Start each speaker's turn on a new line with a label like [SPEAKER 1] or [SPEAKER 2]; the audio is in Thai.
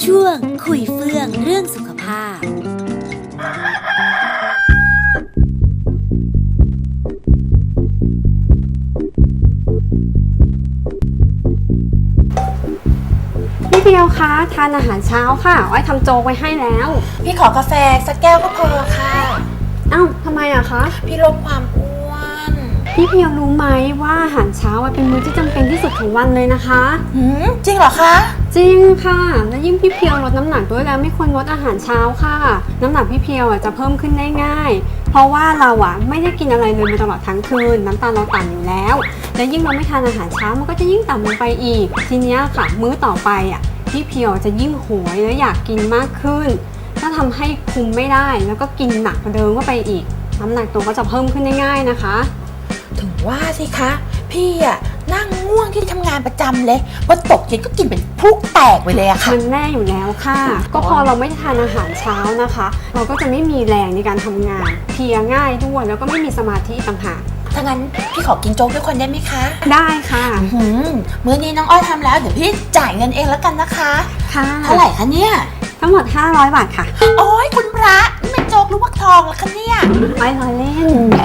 [SPEAKER 1] ช่วงคุยเฟื่องเรื่องสุขภาพ
[SPEAKER 2] พี่เพียวคะทานอาหารเช้าค่ะอ้อยทำโจ๊กไว้ให้แล้ว
[SPEAKER 3] พี่ขอกาแฟสักแก้วก็พอค่ะ
[SPEAKER 2] เอ้าทำไมอะคะ
[SPEAKER 3] พี่ลดความอ้วน
[SPEAKER 2] พี่เพียวรู้ไหมว่าอาหารเช้าเป็นมื้อที่จำเป็นที่สุดของวันเลยนะคะ
[SPEAKER 3] จริงเหรอคะ
[SPEAKER 2] จริงค่ะและยิ่งพี่เพียวลดน้ำหนักด้วยแล้วไม่ควรงดอาหารเช้าค่ะ น้ำหนักพี่เพียวจะเพิ่มขึ้นได้ง่ายเพราะว่าเราไม่ได้กินอะไรเลยมาตลอดทั้งคืนน้ำตาลเราต่ำอยู่แล้วและยิ่งเราไม่ทานอาหารเช้ามันก็จะยิ่งต่ำลงไปอีกทีนี้ค่ะมื้อต่อไปพี่เพียวจะยิ่งโหยและอยากกินมากขึ้นก็ทำให้คุมไม่ได้แล้วก็กินหนักกว่าเดิมเข้าไปอีกน้ำหนักตัวก็จะเพิ่มขึ้นได้ง่ายนะคะ
[SPEAKER 3] ถึงว่าสิคะ พี่นั่งง่วงที่ทำงานประจำเลยพอตกเย็นก็กินเป็นพลุกแตกไปเลยอะค่ะ
[SPEAKER 2] มันแน่อยู่แล้วค่ะ ก็พอเราไม่ทานอาหารเช้านะคะ เราก็จะไม่มีแรงในการทำงานเพลียง่ายด้วยแล้วก็ไม่มีสมาธิต่างหาก
[SPEAKER 3] ถ้างั้นพี่ขอกินโจ๊กด้วยคนได้ไหมคะ
[SPEAKER 2] ได้ค่ะ
[SPEAKER 3] มื้อนี้น้องอ้อยทำแล้วเดี๋ยวพี่จ่ายเงินเองแล้วกันนะคะ
[SPEAKER 2] ค่ะ
[SPEAKER 3] เท่าไหร่คะเนี่ย
[SPEAKER 2] ทั้งหมด500 บาทค่ะ
[SPEAKER 3] โอ้ยคุณพระนี่มันโจ๊กหรือว่าทองล่ะคะเนี่ย
[SPEAKER 2] ไม่ล้อเล่น